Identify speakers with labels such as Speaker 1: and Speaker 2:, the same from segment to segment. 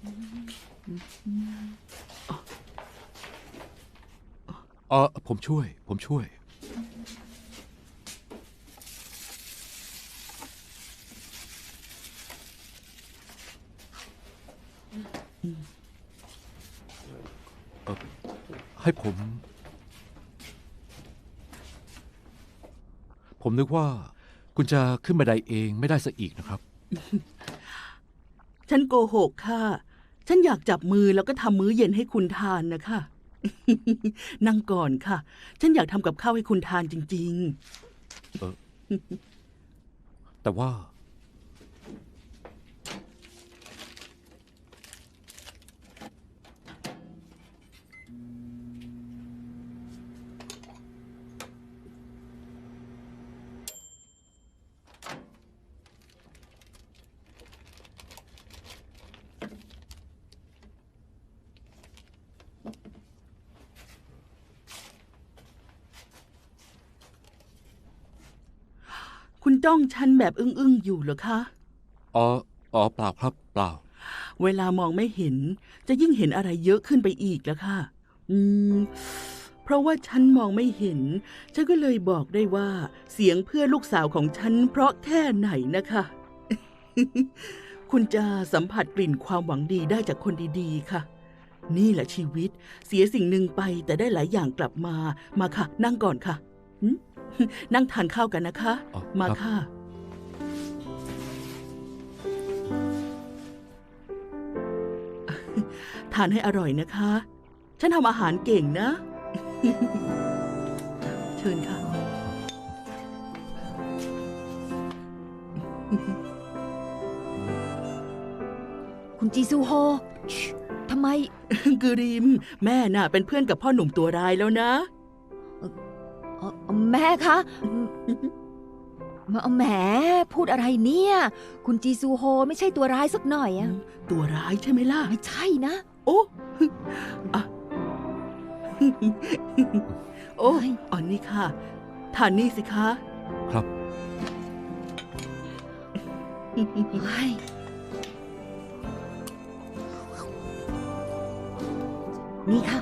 Speaker 1: ผมช่วย ให้ผมนึกว่าคุณจะขึ้นบันไดเองไม่ได้ซะอีกนะครับ
Speaker 2: ฉันโกหกค่ะ ฉันอยากจับมือแล้วก็ทำมื้อเย็นให้คุณทานนะคะ นั่งก่อนค่ะ ฉันอยากทำกับข้าวให้คุณทานจริง
Speaker 1: แต่ว่า
Speaker 2: ๆ คุณจ้องฉันแบบอึ้งๆอยู่เหรอคะ
Speaker 1: เปล่าครับเปล่า
Speaker 2: เวลามองไม่เห็น จะยิ่งเห็นอะไรเยอะขึ้นไปอีกแล้วค่ะ อืม เพราะว่าฉันมองไม่เห็น ฉันก็เลยบอกได้ว่า เสียงเพื่อนลูกสาวของฉันเพราะแค่ไหนนะคะ คุณจะสัมผัสกลิ่นความหวังดีได้จากคนดีๆค่ะ นี่แหละชีวิต เสียสิ่งหนึ่งไปแต่ได้หลายอย่างกลับมา มาค่ะ นั่งก่อนค่ะหึ นั่งทานข้าวกันนะคะ
Speaker 1: อ๋อ
Speaker 2: มา
Speaker 1: ครับ
Speaker 2: ค่ะ ทานให้อร่อยนะคะ ฉันทำอาหารเก่งนะ เชิญค่ะ
Speaker 3: คุณจีซูโฮทำไม
Speaker 2: กริม แม่น่ะเป็นเพื่อนกับพ่อหนุ่มตัวร้ายแล้วนะ
Speaker 3: แม่คะแหมพูดอะไรเนี่ย คุณจีซูโฮไม่ใช่ตัวร้ายสักหน่อยอะ
Speaker 2: ตัวร้ายใช่ไหมล่ะ
Speaker 3: ไม่ใช่นะ
Speaker 2: โอ้ อะโอ้
Speaker 3: เฮ้ย
Speaker 2: อันนี้ค่ะ ทานนี่สิคะ
Speaker 1: ครับ
Speaker 3: เฮ้ยนี่ค่ะ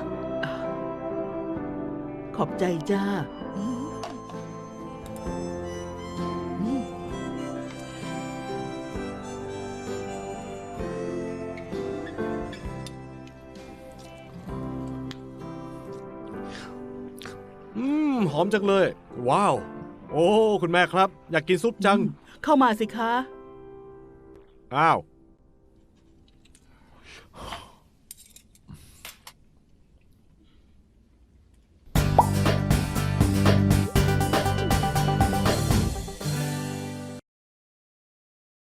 Speaker 2: ขอบใจจ้า
Speaker 4: หอมจังเลย ว้าว โอ้คุณแม่ครับ อยากกินซุปจัง
Speaker 2: เข้ามาสิคะ
Speaker 4: อ้าว